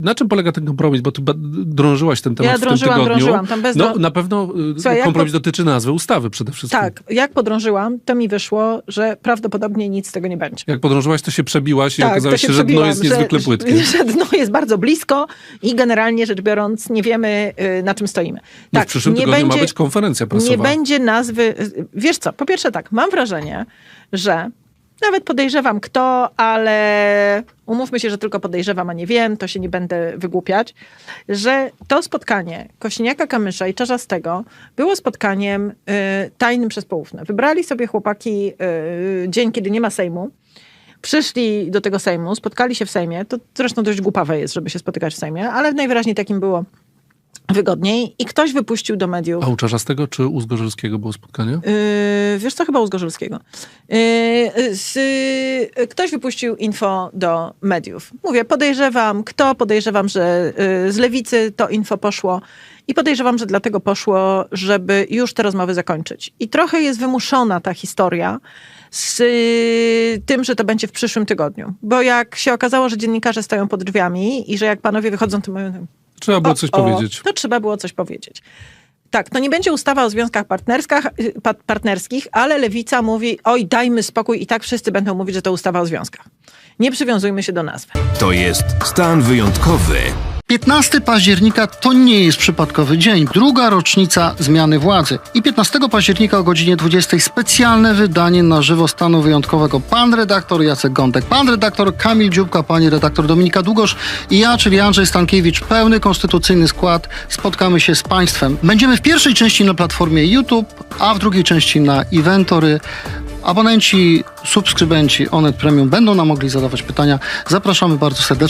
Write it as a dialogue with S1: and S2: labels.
S1: na czym polega ten kompromis? Bo ty drążyłaś ten temat w tym tygodniu.
S2: Drążyłam. Tam
S1: Na pewno kompromis dotyczy nazwy ustawy przede wszystkim.
S2: Tak, jak podrążyłam, to mi wyszło, że prawdopodobnie nic z tego nie będzie.
S1: Jak podrążyłaś, to się przebiłaś i
S2: Tak,
S1: okazało się, że dno jest niezwykle płytkie.
S2: Że dno jest bardzo blisko i generalnie rzecz biorąc nie wiemy, na czym stoimy.
S1: No
S2: Tak,
S1: w przyszłym tygodniu ma być konferencja prasowa.
S2: Nie będzie nazwy... Wiesz co, po pierwsze tak, mam wrażenie, że nawet podejrzewam kto, ale umówmy się, że tylko podejrzewam, a nie wiem, to się nie będę wygłupiać, że to spotkanie Kosiniaka-Kamysza i Czarzastego było spotkaniem tajnym przez poufne. Wybrali sobie chłopaki dzień, kiedy nie ma Sejmu, przyszli do tego Sejmu, spotkali się w Sejmie, to zresztą dość głupawe jest, żeby się spotykać w Sejmie, ale najwyraźniej takim było wygodniej i ktoś wypuścił do mediów...
S1: A u Czarzastego czy u Zgorzelskiego było spotkanie?
S2: Wiesz co, chyba u Zgorzelskiego. Ktoś wypuścił info do mediów. Mówię, podejrzewam, że z Lewicy to info poszło i podejrzewam, że dlatego poszło, żeby już te rozmowy zakończyć. I trochę jest wymuszona ta historia z tym, że to będzie w przyszłym tygodniu. Bo jak się okazało, że dziennikarze stoją pod drzwiami i że jak panowie wychodzą, to mówią...
S1: Trzeba było coś powiedzieć.
S2: To trzeba było coś powiedzieć. Tak, to nie będzie ustawa o związkach partnerskich, ale Lewica mówi, oj, dajmy spokój i tak wszyscy będą mówić, że to ustawa o związkach. Nie przywiązujmy się do nazwy.
S3: To jest stan wyjątkowy.
S4: 15 października to nie jest przypadkowy dzień. Druga rocznica zmiany władzy. I 15 października o godzinie 20 specjalne wydanie na żywo stanu wyjątkowego. Pan redaktor Jacek Gądek, pan redaktor Kamil Dziubka, pani redaktor Dominika Długosz i ja, czyli Andrzej Stankiewicz. Pełny konstytucyjny skład. Spotkamy się z państwem. Będziemy w pierwszej części na platformie YouTube, a w drugiej części na Inventory. Abonenci, subskrybenci Onet Premium będą nam mogli zadawać pytania. Zapraszamy bardzo serdecznie.